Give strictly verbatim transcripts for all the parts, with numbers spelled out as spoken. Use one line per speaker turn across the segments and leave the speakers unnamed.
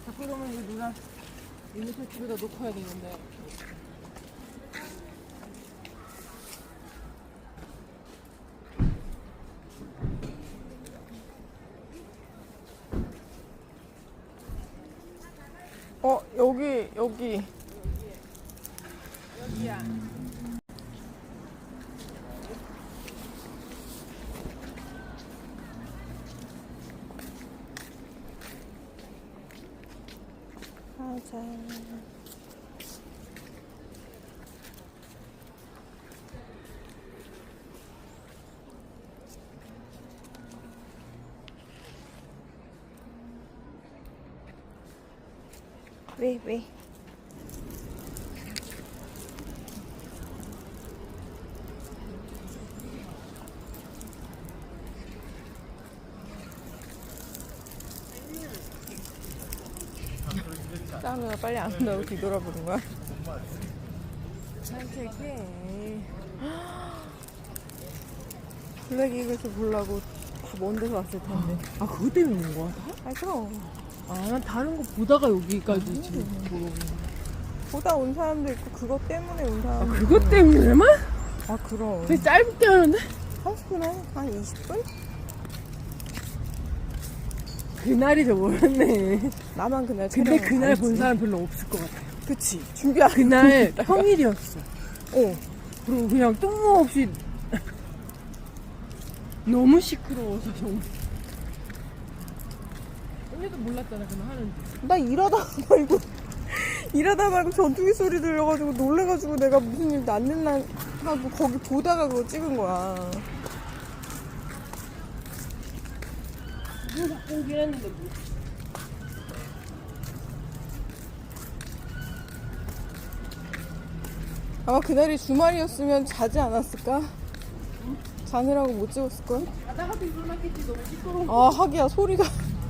자꾸 그러면 이거 누나 유니폼 집에다 놓고 해야 되는데. 어, 여기, 여기. 여기야. 가자. 왜, 왜? 싸우느라 빨리 안 온다고 뒤돌아보는 거야? 산책해. 블랙이글스 보려고 다 먼 데서 왔을 텐데.
아, 그거 때문에 온 거야?
아, 그럼.
아, 난 다른 거 보다가 여기까지
음.
지금 보러 온 거야.
보다 온 사람도 있고 그것 때문에 온
아,
사람도 있고.
그것 때문에만?
아, 그럼.
되게 짧게 하는데?
삼십 분 한, 한 이십 분?
그날이 더 멀었네.
나만 그날
근데
촬영을
그날
안
본
했지.
사람 별로 없을 것 같아.
그치. 준비한
그날 평일이었어.
어.
그리고 그냥 뜬금없이 너무 시끄러워서 정말. 언니도 몰랐잖아, 그날 하는지.
나 일하다 말고 일하다 말고 전투기 소리 들려가지고 놀래가지고 내가 무슨 일 났는나 하고 거기 보다가 그거 찍은 거야.
누구 갖고 오긴 했는데 뭐.
아마 그날이 주말이었으면 자지 않았을까? 자느라고 못 찍었을걸?
자다가도 일어났겠지, 너무 시끄러워.
아, 하기야 소리가.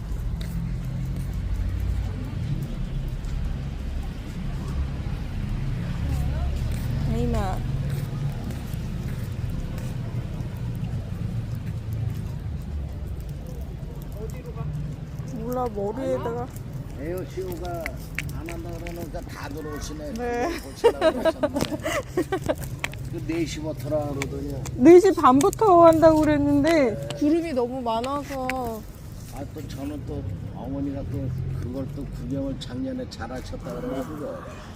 아이마. 몰라, 머리에다가.
에어쇼가 안 한다 그러니까 다 들어오시네.
네.
오시라고 하셨는데. 그 네 시부터라 그러더니.
네 시 반부터 한다고 그랬는데 구름이 너무 많아서.
아, 또 저는 또 어머니가 또 그걸 또 구경을 작년에 잘 하셨다 그래가지고.